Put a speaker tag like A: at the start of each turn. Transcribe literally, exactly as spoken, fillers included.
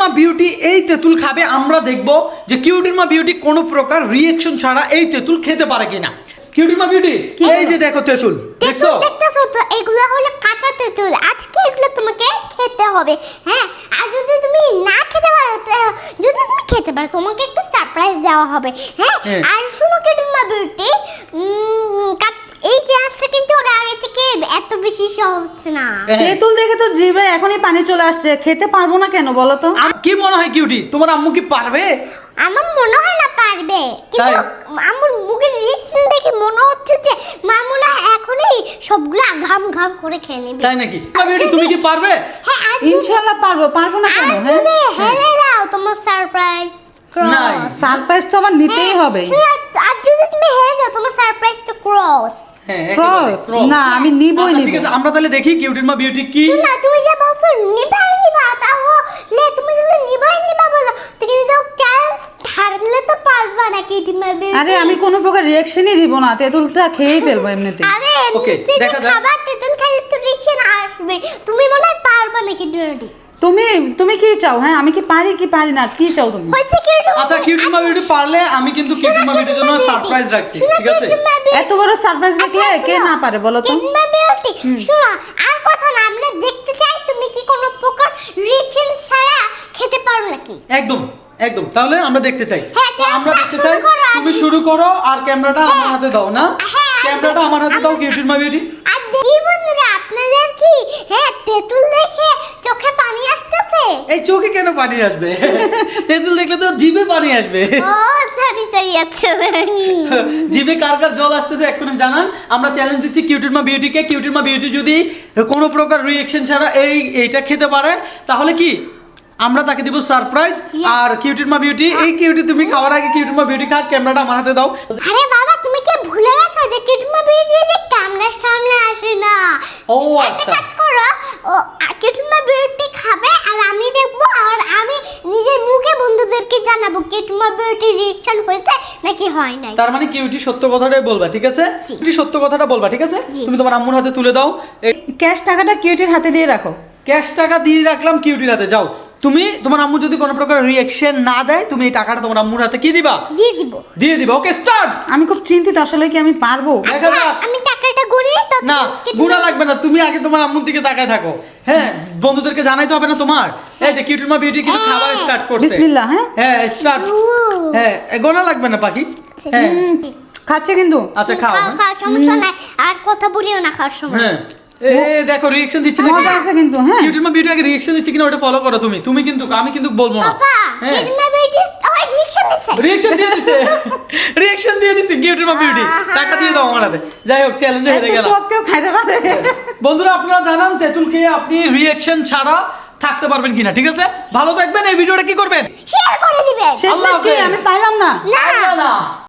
A: Beauty এই তেঁতুল খাবে, আমরা দেখব যে কিউটির মা বিউটি কোনো প্রকার রিঅ্যাকশন ছাড়া এই তেঁতুল খেতে পারে কিনা। কিউটির মা বিউটি এই যে দেখো তেঁতুল, দেখছো
B: দেখতেছো তো, এগুলো হলো কাঁচা তেঁতুল। আজকে এগুলো তোমাকে খেতে হবে, হ্যাঁ। আর যদি তুমি না খেতে পারো, যদি তুমি খেতে পারো, তোমাকে একটা সারপ্রাইজ দেওয়া হবে, হ্যাঁ। আর শুনো কিউটির মা বিউটি, এই চ্যালেঞ্জটা কিন্তু ওরা আগে থেকে এত বেশি সহজ না।
C: তেঁতুল দেখে তো জিভে এখনই পানি চলে আসছে, খেতে পারবো না কেন বলো তো?
A: কি মনে হয় কিউটি, তোমার আম্মু কি পারবে?
B: আমার মনে হয় না পারবে, কিন্তু আমার মুখের রিঅ্যাকশন দেখে মনে হচ্ছে যে মা মনে হয় এখনই সবগুলা ঘাম ঘাম করে খেয়ে নেবে।
A: তাই নাকি? বিউটি তুমি কি পারবে?
B: হ্যাঁ
C: ইনশাআল্লাহ পারবো, পারবো না কেন?
B: হ্যাঁ তুমি হেরে যাও, তোমার সারপ্রাইজ
A: নাই,
C: সারপ্রাইজ তো আমার নিতেই হবে।
B: আর যদি তুমি হেরে যাও, তোমার সারপ্রাইজ তো ক্রস।
A: হ্যাঁ
C: ক্রস না, আমি নিবই নিব।
A: ঠিক আছে, আমরা তাহলে দেখি কিউটির মা বিউটি কি।
B: না তুমি যা বলছো নিবাই নিবা, তাহলে তুমি যদি নিবাই নিবা বলো, তুমি তো চ্যালেঞ্জ হারলে তো পারবা না কিউটির মা বিউটি।
C: আরে আমি কোনো প্রকার রিঅ্যাকশনই দিব না, তেঁতুলটা খেয়েই ফেলবো এমনিতে।
B: আরে
A: ওকে দেখা যাক,
B: খাবার তেঁতুল খেলে তো রিঅ্যাকশন আসবে, তুমি মনে হয় পারবা না কিউটির মা বিউটি।
C: তুমি তুমি কি চাও? হ্যাঁ আমি কি পারি কি পারি না, কি চাও তুমি?
B: হইছে কিউটির।
A: আচ্ছা কিউটির মা বিউটি পারলে আমি কিন্তু কিউটির মা বিউটির জন্য সারপ্রাইজ রাখছি, ঠিক আছে?
C: এত বড় সারপ্রাইজ দেখলে কে না পারে বলো তো?
B: কিউটির মা বিউটি শোনো, আর কথা না, আমরা দেখতে চাই তুমি কি কোনো প্রকার রিঅ্যাকশন ছাড়া খেতে পারো নাকি।
A: একদম একদম, তাহলে আমরা দেখতে চাই।
B: হ্যাঁ,
A: তো আমরা দেখতে
B: শুরু
A: চাই,
B: করো।
A: তুমি শুরু করো আর ক্যামেরাটা আমার হাতে দাও না।
B: হ্যাঁ,
A: ক্যামেরাটা আমার হাতে দাও কিউটির মা বিউটি।
B: আর দেখি বন্ধুরা, আপনাদের কি হ্যাঁ তেঁতুল দেখে চোখে পানি আসতেছে?
A: এই চোখে কেন পানি আসবে? তেঁতুল দেখলে তো জিভে পানি আসবে।
B: ও সরি সরি, আচ্ছা।
A: জিভে কার কার জল আসতেছে এক্ষুনি জানান। আমরা চ্যালেঞ্জ দিচ্ছি কিউটির মা বিউটিকে। কিউটির মা বিউটি যদি কোনো প্রকার রিঅ্যাকশন ছাড়া এই এইটা খেতে পারে, তাহলে কি আমরা তাকে দিব সারপ্রাইজ। আর কিউটির মা বিউটি, এই কিউটি তুমি খাওয়ার আগে কিউটির মা বিউটি খা, ক্যামেরাটা আমার হাতে দাও।
B: আরে বাবা, তুমি কি ভুলে গেছো যে কিউটির মা বিউটি যে ক্যামেরার সামনে আসে না?
A: ও
B: একটা
A: আচ্ছা,
B: কাজ করো, ও কিউটির মা বিউটি খাবে আর আমি দেখবো, আর আমি নিজের মুখে বন্ধুদেরকে জানাবো কিউটির মা বিউটি রিঅ্যাকশন হয়েছে নাকি হয় নাই।
A: তার মানে কিউটি সত্য কথাটাই বলবা, ঠিক আছে?
B: জি।
A: কিউটি সত্য কথাটা বলবা, ঠিক আছে?
B: জি।
A: তুমি তোমার আম্মুর হাতে তুলে দাও। এই
C: ক্যাশ টাকাটা কিউটির হাতে দিয়ে রাখো।
A: ক্যাশ টাকা দিয়ে রাখলাম কিউটির হাতে। যাও তুমি, তোমার আম্মু যদি কোনো প্রকার রিঅ্যাকশন না দেয়, তুমি এই টাকাটা তোমার আম্মুর হাতে কি দিবা?
B: দিয়ে দিব।
A: দিয়ে দিবা। Okay start.
C: আমি খুব চিন্তিত, আসলে কি আমি পারবো?
A: দেখা
B: আচ্ছা,
A: যাক।
B: আমি টাকাটা গুনি তো।
A: না গুণা লাগবে না, তুমি আগে তোমার আম্মুর দিকে তাকায় থাকো। হ্যাঁ, বন্ধুদেরকে জানাইতে হবে না তোমার? এই যে কিউটির মা বিউটি কিন্তু খাবার স্টার্ট করছে।
C: বিসমিল্লাহ। হ্যাঁ
A: হ্যাঁ স্টার্ট। হ্যাঁ গোনা লাগবে না পাখি। হ্যাঁ
C: খাচ্ছে কিন্তু।
A: আচ্ছা খাও।
B: খাও খাও, সমস্যা নাই। আর কথা বলিও না খাওয়ার সময়।
A: হ্যাঁ এ দেখো রিঅ্যাকশন দিচ্ছে না।
C: মজা আছে কিন্তু। হ্যাঁ
A: কিউটির মা বিউটি আগে রিঅ্যাকশন দিচ্ছে কিনা ওটা ফলো করো তুমি। তুমি কিন্তু, আমি কিন্তু বলবো না।
B: বাবা,
A: হ্যাঁ
B: কিউটির মা বিউটি ওই রিঅ্যাকশন দিছে।
A: রিঅ্যাকশন দিয়ে দিছে। রিঅ্যাকশন দিয়ে দিছে কিউটির মা বিউটি। টাকা দিয়ে দাও আমার হাতে। যাই হোক, চ্যালেঞ্জে হেরে গেলাম।
C: টক কেউ খাইতে পারে।
A: বন্ধুরা আপনারা জানান তেঁতুল খেয়ে আপনি রিঅ্যাকশন ছাড়া থাকতে পারবেন কিনা, ঠিক আছে? ভালো থাকবেন। এই ভিডিওটা কি করবেন?
B: শেয়ার করে দিবেন।
C: শেষমেশ কি আমি পাইলাম না।
B: না
A: না